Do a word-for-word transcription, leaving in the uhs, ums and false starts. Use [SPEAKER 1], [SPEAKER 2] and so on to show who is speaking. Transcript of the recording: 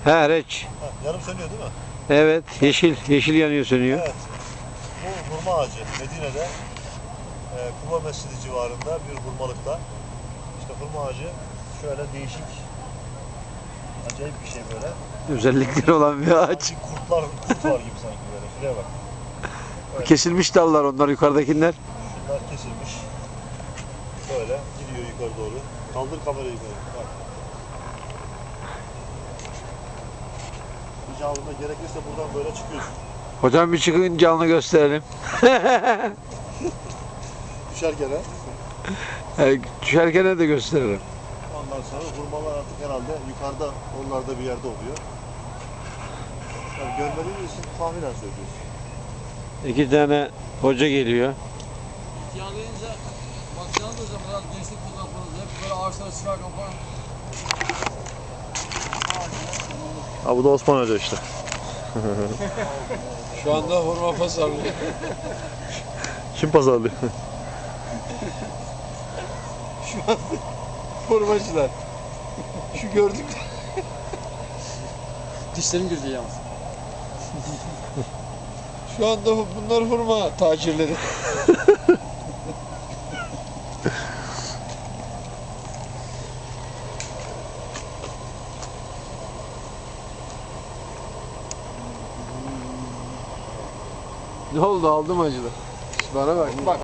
[SPEAKER 1] He reç.
[SPEAKER 2] Ha, yarım sönüyor değil mi?
[SPEAKER 1] Evet yeşil yeşil yanıyor sönüyor.
[SPEAKER 2] Evet. Bu hurma ağacı Medine'de e, Kuba Mescidi civarında bir hurmalıkta. İşte hurma ağacı şöyle değişik, acayip bir şey böyle.
[SPEAKER 1] Özellikleri olan bir ağaç.
[SPEAKER 2] Sanki kurtlar, kurt var gibi sanki böyle. Şuraya bak. Evet.
[SPEAKER 1] Kesilmiş dallar onlar yukarıdakiler.
[SPEAKER 2] Şunlar kesilmiş. Böyle gidiyor yukarı doğru. Kaldır kamerayı yukarı. Bak. Bir canlında gerekirse buradan böyle çıkıyorsun.
[SPEAKER 1] Hocam bir çıkın canlı gösterelim.
[SPEAKER 2] Düşerken ha.
[SPEAKER 1] He, düşerken de gösteririm.
[SPEAKER 2] Ondan sonra hurmalar artık herhalde yukarıda, onlarda bir yerde oluyor. Yani görmediğimiz için tahminen söylüyoruz.
[SPEAKER 1] İki tane hoca geliyor.
[SPEAKER 3] Yağlayınca bakacağınız da zaman gençlik fotoğraflarınızda hep böyle ağaçlara çıkarken falan.
[SPEAKER 2] Ha bu da Osman Hoca işte.
[SPEAKER 3] Şu anda hurma pazarlıyor.
[SPEAKER 2] Kim pazarlıyor?
[SPEAKER 3] Şu anda hurmacılar. Şu gördük. Dişlerim girdi yalnız. Şu anda bunlar hurma tacirleri.
[SPEAKER 1] Ne oldu aldım acılı. Bana bak. Bak.